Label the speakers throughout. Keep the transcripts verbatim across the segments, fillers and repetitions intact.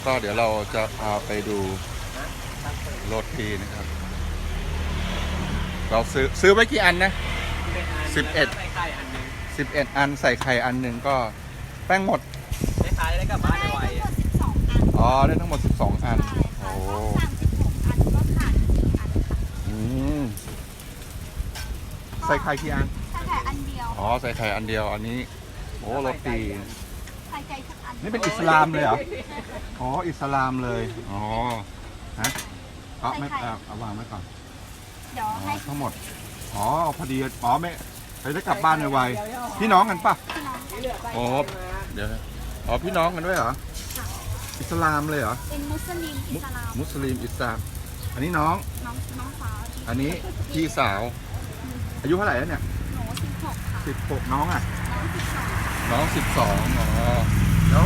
Speaker 1: ก็เดี๋ยวเราจะพาไปดูโรตีนะครับเราซื้อซื้อไว้กี่อันนะสิบเอ็ดสิบเอ็ดอันใส่ไข่อันหนึ่งก็แป้งหมด
Speaker 2: ได้ขายได้กลับบ้านไว
Speaker 1: อ๋อได้ทั้งหมดสิบสองอันโอ้อืมใส่ไข่กี่อัน
Speaker 3: ใส่ไข่อันเดียว
Speaker 1: อ๋อใส่ไข่อันเดียวอันนี้โอ้โรตี
Speaker 3: ใส่ไข่ทุกอัน
Speaker 1: นี่เป็นอิสลามเลยเหรออ๋ออิสลามเลยอ๋อฮะเอาไม่เอาวางไว้ก่อน
Speaker 3: เดี๋ยวให้
Speaker 1: ทั้งหมดอ๋อพอดีอ๋อไม่ไปได้กลับบ้านไวๆพี่น้องกันปะโอ้เดี๋ยวอ๋อพี่น้องกันด้วยเหรออิสลามเลยเหรอ
Speaker 3: เป็นมุสลิมอิสลาม
Speaker 1: มุสลิมอิสลามอันนี้น้อง
Speaker 3: น้องน้องสาว
Speaker 1: อันนี้พี่สาวอายุเท่าไหร่แล้วเนี่ย
Speaker 3: หนูสิบหกค่ะ
Speaker 1: สิบหกน้องอ่ะ
Speaker 3: น้องสิบสอง
Speaker 1: น้องสิบสองอ๋อแล้ว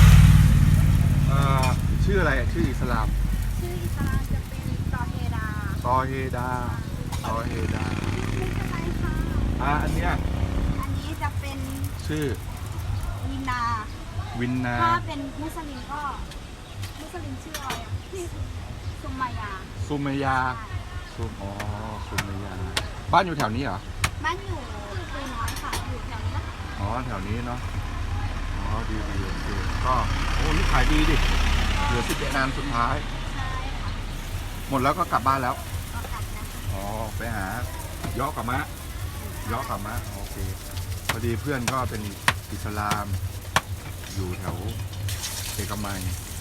Speaker 1: ชื่ออะไรชื่ออิสลาม
Speaker 3: ชื่ออิสลามจะเป็นซอเฮดา
Speaker 1: ซอเฮดาซอเฮดา
Speaker 3: ไม่ใช่ค่ะ
Speaker 1: อ่าอันเนี้ย
Speaker 3: อันนี้จะเป็น
Speaker 1: ชื่อ
Speaker 3: วินนา
Speaker 1: วินนา
Speaker 3: ถ้าเป็นมุสลิมก็มุสลิมชื่ออะไรอ่ะที่ซุมมายา
Speaker 1: ซุมมายาซุมอ๋อซุมมายาบ้านอยู่แถวนี้เหรอ
Speaker 3: บ้านอยู่คุยน้อยค่ะอยู่แถวนี้นะ
Speaker 1: อ๋อแถวนี้เนาะอ๋อดีดีโอเคก็โอ้นี่ขายดีดิเหลือสิบเอ็ดนานสุดท้าย
Speaker 3: ใช่ค่ะ
Speaker 1: หมดแล้วก็กลับบ้านแล้ว
Speaker 3: ก็กลับนะ
Speaker 1: อ๋อไปหาย่อกับมะย่อกับมะโอเคพอดีเพื่อนก็เป็นอิสลามอยู่แถวเอกมัย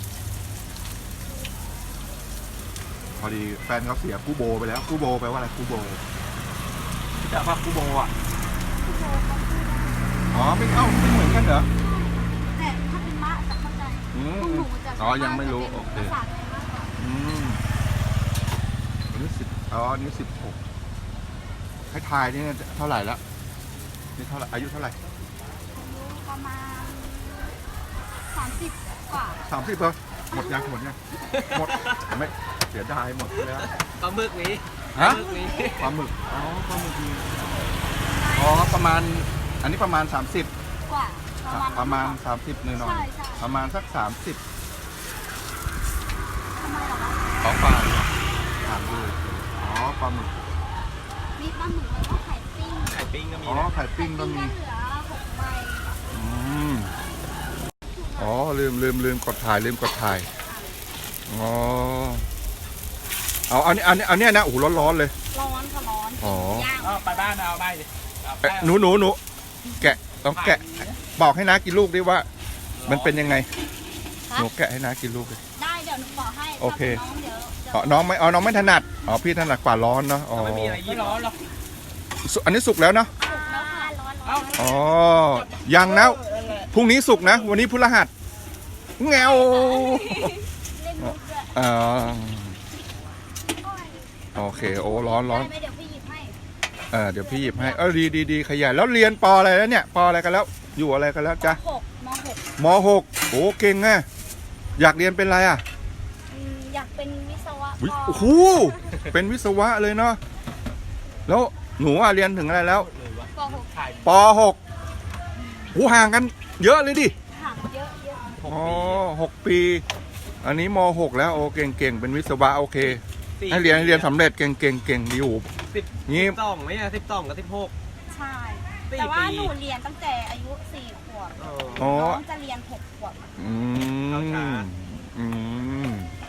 Speaker 1: พอดีแฟนเขาเสียกูโบไปแล้วกูโบแปลว่าอะไรกูโบจะพักกูโบอ่ะอ๋อไม่เอ้าไม่เหมือนกันเหรอ
Speaker 3: แต่ถ้าเป็นมะจะเข้าใจ
Speaker 1: อืมอ๋อยังไม่รู้โอเคอืมอันนี้สิบอ๋ออันนี้สิบหกให้ทายนี่เท่าไหร่แล้วนี่เท่าไหร่อายุเท่าไหร่
Speaker 3: อายุประมาณสามสิบกว่า
Speaker 1: สามสิบเหรอหมดยังหมดยังหมดไม่เสียดายหมดแล้ว
Speaker 2: ปลาหมึกนี้
Speaker 1: ฮะปลาหมึกอ๋อปลาหมึกนี้อ๋อประมาณอันนี้ประมาณสามสิบ
Speaker 3: กว่า
Speaker 1: ประมาณสามสิบหน่อยหน่อยประมาณสักสามสิบ
Speaker 3: ทำไมหรอคะ
Speaker 1: ของปลาถามดูอ๋อปลาหมึก
Speaker 3: มีปลาหมึกแล้วก็ไข่ปิ้ง
Speaker 2: ไข่ปิ้งก็มี
Speaker 1: อ๋อไข่ปิ้งก็มี
Speaker 3: เหลือหกใบ
Speaker 1: อืมอ๋อลืมลืมลืมกดถ่ายลืมกดถ่ายอ๋อเอาอันนี้อันนี้อันนี้นะโอ้โหร้อนร้อนเลย
Speaker 3: ร้อนค่ะร้อน
Speaker 1: อ๋อ
Speaker 2: ไปบ้านเอาไปดิ
Speaker 1: หนูหนูหนูแกะต้องแกะบอกให้นะกินลูกดิว่ามันเป็นยังไงหนูแกะให้นะกินลูกดิ
Speaker 3: ได้เดี๋ยวหนูบอกให้
Speaker 1: โอเค
Speaker 3: น้องเดี๋ยว
Speaker 1: อ๋อน้องไม่อ๋อน้องไม่ถนัดอ๋อพี่ถนัดกว่าร้อนเนาะอ๋อ
Speaker 2: ไม่มีอะไรยี่ร้อนหรอก
Speaker 1: อันนี้สุกแล้วเนาะ
Speaker 3: สุกแล้วค่ะร้อนร้อน
Speaker 1: อ๋อยังนะพรุ่งนี้สุกนะวันนี้พฤหัสแงวอ๋อโอเคโอ้ร้อนร้อน
Speaker 3: เดี๋ยวพี่หยิบให้
Speaker 1: เออเดี๋ยวพี่หยิบให้เออดีดีดีขยันแล้วเรียนปออะไรแล้วเนี่ยปออะไรกันแล้วอยู่อะไรกันแล้วจ๊ะมหกโอ้เก่งไงอยากเรียนเป็นอะไรอ่ะ
Speaker 3: อยากเป็นวิศวะ
Speaker 1: โอ้โหเป็นวิศวะเลยเนาะแล้วหนูอ่ะเรียนถึงอะไรแล้วปหกหูห่างกันเยอะเลยดิ
Speaker 3: ห่างเยอะเยอะ
Speaker 1: อ๋อหกปีอันนี้มหกแล้วโอ้เก่งเก่งเป็นวิศวะโอเคให้เรียนให้เรียนสำเร็จเก่งเก่งเก่งดีอยู่
Speaker 2: สิบนี่สองไหมอ่ะสิบสองกับสิบหก
Speaker 3: ใช่แต่ว่าหนูเรียนตั้งแต่อายุสี่ขวบน้องจะเรียนหกขวบ
Speaker 1: อืมอืม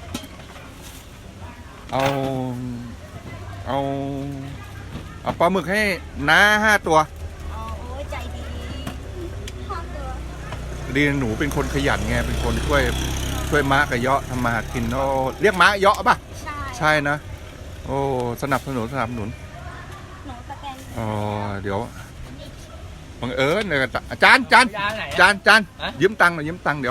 Speaker 1: เอาเอาเอาปลาหมึกให้น้าห้าตัว
Speaker 3: อ๋อโอ้ใจดีห้าตัว
Speaker 1: ดีหนูเป็นคนขยันไงเป็นคนช่วยช่วยม้ากับเยาะทำมาหากินโอ้เรียกม้าเยาะป่ะ
Speaker 3: ใช่
Speaker 1: ใช่นะโอ้สนับสนุนสนับสนุน
Speaker 3: หนูสแกน
Speaker 1: อ๋อเดี๋ยวบังเอิญเลยอาจารย์จานจานจานยืมตังค์หน่อยยืมตังค์เดี๋ยว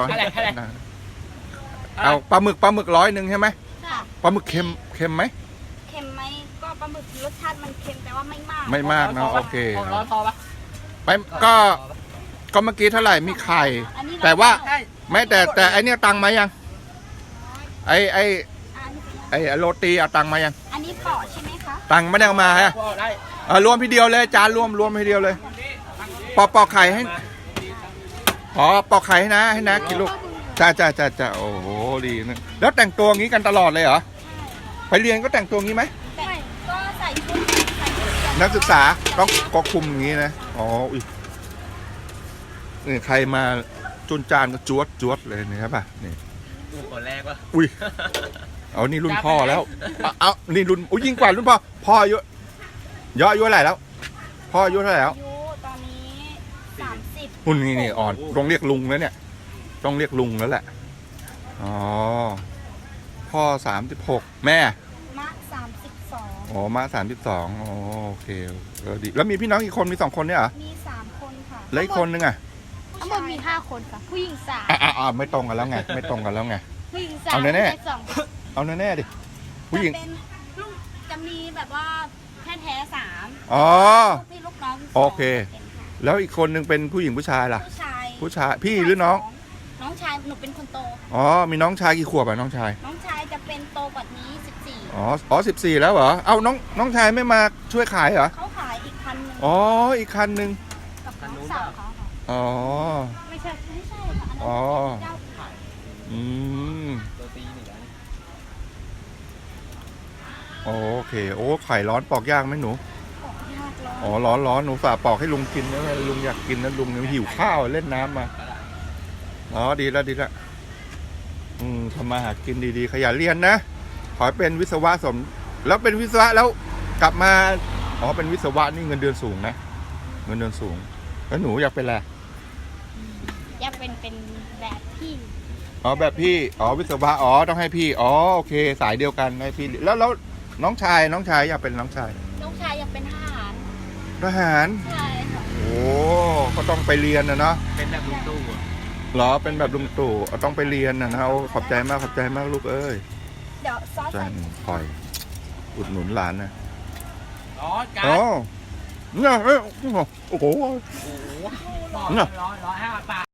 Speaker 1: เอาปลาหมึกปลาหมึกร้อยหนึ่งใช่ไหมปลาหมึกเค็มเค็มไหม
Speaker 3: เค็มไหมก็ปลาหมึกรสชาติมันเค็มแต่ว่าไม่มาก
Speaker 1: ไม่มากนะโอเค
Speaker 2: ร้อนพอปะ
Speaker 1: ไปก็ก็เมื่อกี้เท่าไหร่มีไข่แต่ว่าไม่แต่แต่ไอเนี้ยตังค์มายังไอไอไอโรตีเอาตังค์มายัง
Speaker 3: อันนี้ปอใช่ไหมคะ
Speaker 1: ตังค์ไม่ได้มาฮะเออรวมทีเดียวเลยจานรวมรวมทีเดียวเลยปอกปอกไข่ให้อ๋อปอกไข่ให้นะให้นะกินลูกจ้าจ้าจ้าจ้าโอ้โหดีนะแล้วแต่งตัวงี้กันตลอดเลยเหรอไปเรียนก็แต่งตัวงี้ไหม
Speaker 3: แต่ก็ใส่ชุดใส่ชุดเรีย
Speaker 1: นักศึกษาต้องก็คุมอย่างนี้นะอ๋ออุ้ยนี่ใครมาจุนจานก็จวดจวดเลยนี่ครับป่ะนี่
Speaker 2: กูคนแรกวะ
Speaker 1: อุ้ยเอานี่รุ่นพ่อแล้วเอาเอานี่รุ่นอุ้ยยิ่งกว่ารุ่นพ่อพ่ออายุย่ออายุเท่าไหร่แล้วพ่ออายุเท่าไหร่แล้ว
Speaker 3: อายุตอนนี้สามสิบ
Speaker 1: หุ่นนี่นี่อ่อนต้องเรียกลุงแล้วเนี่ยต้องเรียกลุงแล้วแหละอ๋อพ่อสามสิบหกแม่
Speaker 3: มะสามสิบสอง
Speaker 1: อ๋อมาสามสิบสองอ๋อโอเคเออดีแล้วมีพี่น้องกี่คนมีสองคนเนี่ยเหรอ
Speaker 3: มีสามคนค่ะ
Speaker 1: แล้วอีกคนนึงอ่ะ
Speaker 3: ทั้งหมดมีห้าคนค่ะ ผู้หญิงสาม
Speaker 1: อ่ะอ่ะอ่ะไม่ตรงกันแล้วไงไม่ตรงกันแล้วไง
Speaker 3: ผู้หญิงสาม
Speaker 1: เอาแน่ๆ
Speaker 3: ผู้ชายสอง
Speaker 1: เอาแน่ๆดิผู้หญิง
Speaker 3: จะเป็นลูกจะมีแบบว่าแท้แท้ๆสาม
Speaker 1: อ๋อ
Speaker 3: ลูกพี่ลูกน้องสง
Speaker 1: โอเค
Speaker 3: เป็นค่ะ
Speaker 1: แล้วอีกคนนึงเป็นผู้หญิงผู้ชายล่ะ
Speaker 3: ผู้ชาย
Speaker 1: ผู้ชายพี่หรือน้อง
Speaker 3: สน้องชายหนูเป็นคนโต
Speaker 1: อ๋อมีน้องชายกี่ขวบอ่ะน้องชาย
Speaker 3: น้องชายจะเป็นโตกว่านี้สิบสี่
Speaker 1: อ๋ออ๋อสิบสี่แล้วเหรอเอ้าน้องน้องชายไม่มาช่วยขายเหรอ
Speaker 3: เขาขายอีกคันหนึง
Speaker 1: อ๋ออีกคันนึง
Speaker 3: กับน้องสาวเขาค่ะ
Speaker 1: อ๋อ
Speaker 3: ไม่ใช่ไม่ใช่ค่ะอันนั้น
Speaker 1: อ๋อ
Speaker 3: เป็นเจ้าขาย
Speaker 1: อืม
Speaker 2: ตัวตีหนีแล้ว
Speaker 1: โอเคโอ้ไข่ร้อนปอกยากไหมหนู
Speaker 3: ของยากร้อน
Speaker 1: อ๋อร้อนร้อนหนูฝากปอกให้ลุงกินนะลุงอยากกินนะลุงเนี่ยหิวข้าวเล่นน้ำมาอ๋อดีแล้วดีแล้วอืมทำมาหากินดีๆขยันเรียนนะขอให้เป็นวิศวะสมแล้วเป็นวิศวะแล้วกลับมาอ๋อเป็นวิศวะนี่เงินเดือนสูงนะเงินเดือนสูงแล้วหนูอยากเป็นอะไร
Speaker 3: อยากเป็นเป็นแบบพี่
Speaker 1: อ๋อแบบพี่อ๋อวิศวะอ๋อต้องให้พี่อ๋อโอเคสายเดียวกันให้พี่แล้วแล้วน้องชายน้องชายอยากเป็นน้องชาย
Speaker 3: น้องชายอยากเป็นทหาร
Speaker 1: ทหาร
Speaker 3: ใช่ค่ะ
Speaker 1: โอ้ก็ต้องไปเรียนนะเนาะ
Speaker 2: เป็นแบบลุงตู้อะ
Speaker 1: เหรอเป็นแบบลุงตู่เอาต้องไปเรียนนะนะเอาขอบใจมากขอบใจมากลูกเอ้ย
Speaker 3: เดี๋ยวซอส
Speaker 1: ใจ
Speaker 3: ใส่
Speaker 1: คอยอุดหนุนหลานนะ
Speaker 2: ร้อนกัน
Speaker 1: อ๋อเนี่ยเอ้ยโอ้โห
Speaker 2: โอ้โหร้อนร้อนร้อนให้ปาก